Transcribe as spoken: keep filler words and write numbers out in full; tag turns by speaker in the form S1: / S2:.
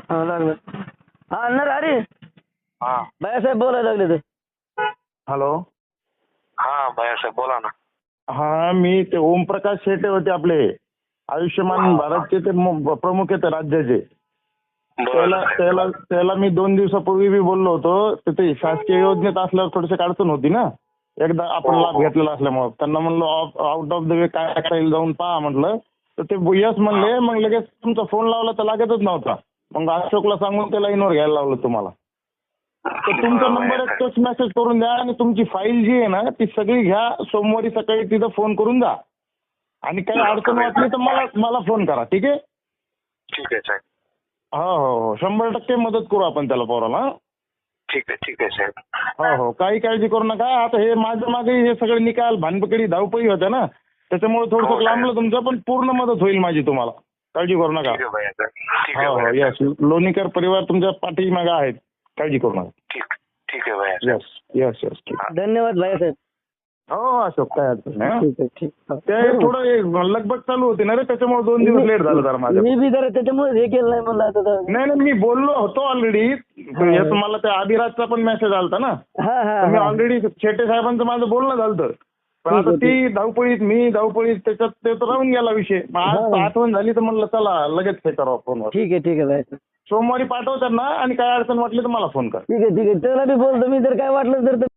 S1: हा लागलं. हा अण्णा अरे
S2: हा
S1: बायासाहेब बोलायला लागले ते.
S3: हॅलो.
S2: हा भैयासाहेब बोला ना.
S3: हा मी ते ओमप्रकाश शेटे होते आपले आयुष्यमान भारतचे ते मु- प्रमुख आहेत राज्याचे. त्याला
S2: बरं
S3: त्याला त्याला मी दोन दिवसापूर्वी बी बोललो होतो तर ते शासकीय योजनेत असल्यावर थोडीशी अडचण होती ना. एकदा आपण
S2: हो,
S3: लाभ
S2: हो.
S3: घेतलेला असल्यामुळे त्यांना म्हणलं आउट ऑफ द वे काय करता येईल जाऊन पहा म्हटलं. तर ते यस म्हणले. मग लगेच तुमचा फोन लावला तर लागतच नव्हता. मग अशोकला सांगून ते लाईनवर घ्यायला लावलं तुम्हाला. तर तुमचा
S2: बरं,
S3: नंबर एक
S2: भैयासाहेब.
S3: टेक्स्ट मेसेज करून द्या आणि तुमची फाईल जी आहे ना ती सगळी घ्या. सोमवारी सकाळी तिथं फोन करून द्या आणि काही अडचण वाटली तर मला मला फोन करा. ठीक आहे.
S2: ठीक आहे साहेब.
S3: हो हो हो शंभर टक्के मदत करू आपण त्याला पोराला.
S2: ठीक आहे ठीक आहे साहेब.
S3: हो हो काही काळजी करू नका. आता हे माझं मागे हे सगळे निकाल भानपकडी धावपळी होत्या ना त्याच्यामुळे
S2: हो,
S3: थोडंसं
S2: साहेब.
S3: लांबलं तुमचं पण पूर्ण मदत होईल माझी तुम्हाला. काळजी करू नका.
S2: ठीक आहे भैयासाहेब. ठीक आहे
S3: हो हो
S2: भैयासाहेब.
S3: यस लोणीकर परिवार तुमच्या पाठीमागे आहेत. काळजी करू नका.
S2: ठीक ठीक आहे भैयासाहेब.
S3: यस यस यस ठीक.
S1: धन्यवाद बायासाहेब.
S3: हो अशोक काय अडचण नाही हं.
S1: ठीक आहे ठीक
S3: ते
S1: आहे.
S3: थोडं एक लगबग चालू होती ना रे त्याच्यामुळे दोन दिवस लेट झालं जरा माझं.
S1: मी बी जरा त्याच्यामुळे हे केलं नाही म्हणलं आता तर.
S3: नाही नाही मी बोललो होतो ऑलरेडी. तुम्हाला त्या अभिराजचा पण मेसेज आलता ना.
S1: हा हा
S3: तर मी
S1: हा.
S3: ऑलरेडी शेटे साहेबांचं माझं बोलणं झालं. पण आता
S1: ठीक आहे,
S3: ती धावपळीत मी धावपळीत त्याच्यात ते तर राहून गेला विषय. मग आज
S1: हा.
S3: आठवण झाली तर म्हणलं चला लगेच हे करावं फोनवर.
S1: ठीक आहे ठीक आहे बायासाहेब.
S3: सोमवारी पाठवतात ना आणि काय अडचण वाटली तर मला फोन कर.
S1: ठीक आहे ठीक आहे त्याला बी बोलतो मी जर काय वाटलं तर